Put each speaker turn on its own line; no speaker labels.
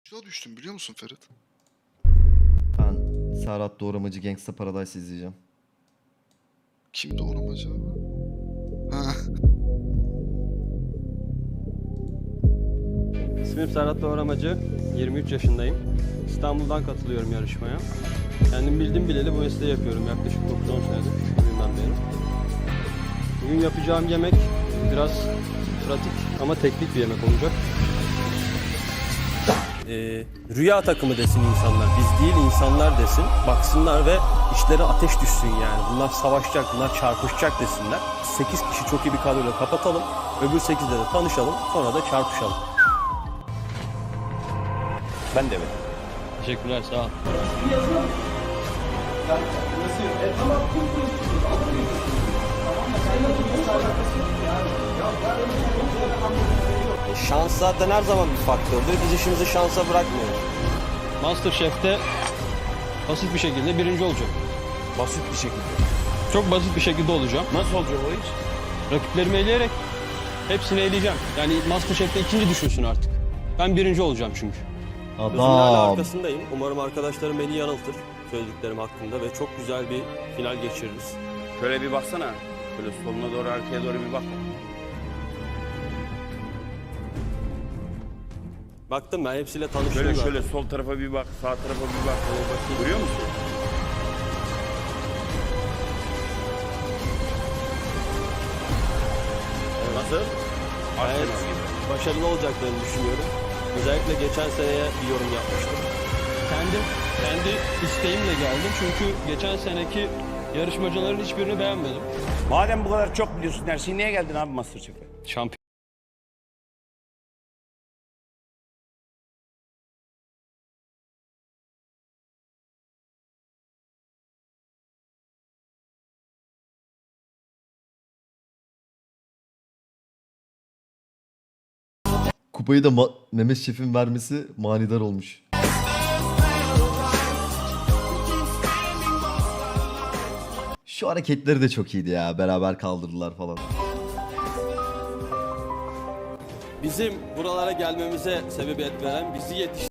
Şuna düştüm biliyor musun Ferit?
Ben Serhat Doğramacı Gangsta Paradise izleyeceğim.
Kim doğramacı abi? Ha.
İsmim Serhat Doğramacı, 23 yaşındayım. İstanbul'dan katılıyorum yarışmaya. Kendim bildim bileli bu mesleği yapıyorum yaklaşık 9-10 senedir, küçüklüğümden beri. Bugün yapacağım yemek biraz pratik ama teknik bir yemek olacak. Rüya takımı desin insanlar, biz değil insanlar desin. Baksınlar ve işleri ateş düşsün yani. Bunlar savaşacak, bunlar çarpışacak desinler. 8 kişi çok iyi bir kadroyla kapatalım. Öbür 8'de de tanışalım, sonra da çarpışalım.
Ben de mi?
Teşekkürler, sağ ol.
Şans zaten her zaman bir faktördür. Biz işimizi şansa bırakmıyoruz.
MasterChef'te basit bir şekilde birinci olacağım.
Basit bir şekilde.
Çok basit bir şekilde olacağım.
Nasıl olacak o iş?
Rakiplerimi eleyerek hepsini eleyeceğim. Yani MasterChef'te ikinci düşünsün artık. Ben birinci olacağım çünkü.
Adam.
Hala arkasındayım. Umarım arkadaşlarım beni yanıltır söylediklerim hakkında ve çok güzel bir final geçiririz.
Şöyle bir baksana. Böyle soluna doğru, arkaya doğru bir bak.
Baktım ben hepsiyle tanıştım
Şöyle
zaten.
şöyle sol tarafa bir bak, sağ tarafa bir bak. Görüyor musun? Nasıl?
Evet,
Arsenal gibi.
başarılı olacaklarını düşünüyorum. Özellikle geçen seneye bir yorum yapmıştım. Kendi isteğimle geldim çünkü geçen seneki yarışmacıların hiçbirini beğenmedim.
Madem bu kadar çok biliyorsun her şeyi, niye geldin abi MasterChef'e?
Şampiyon.
Kupayı da Mehmet Şef'in vermesi manidar olmuş. Şu hareketleri de çok iyiydi ya. Beraber kaldırdılar falan.
Bizim buralara gelmemize sebebiyet veren, bizi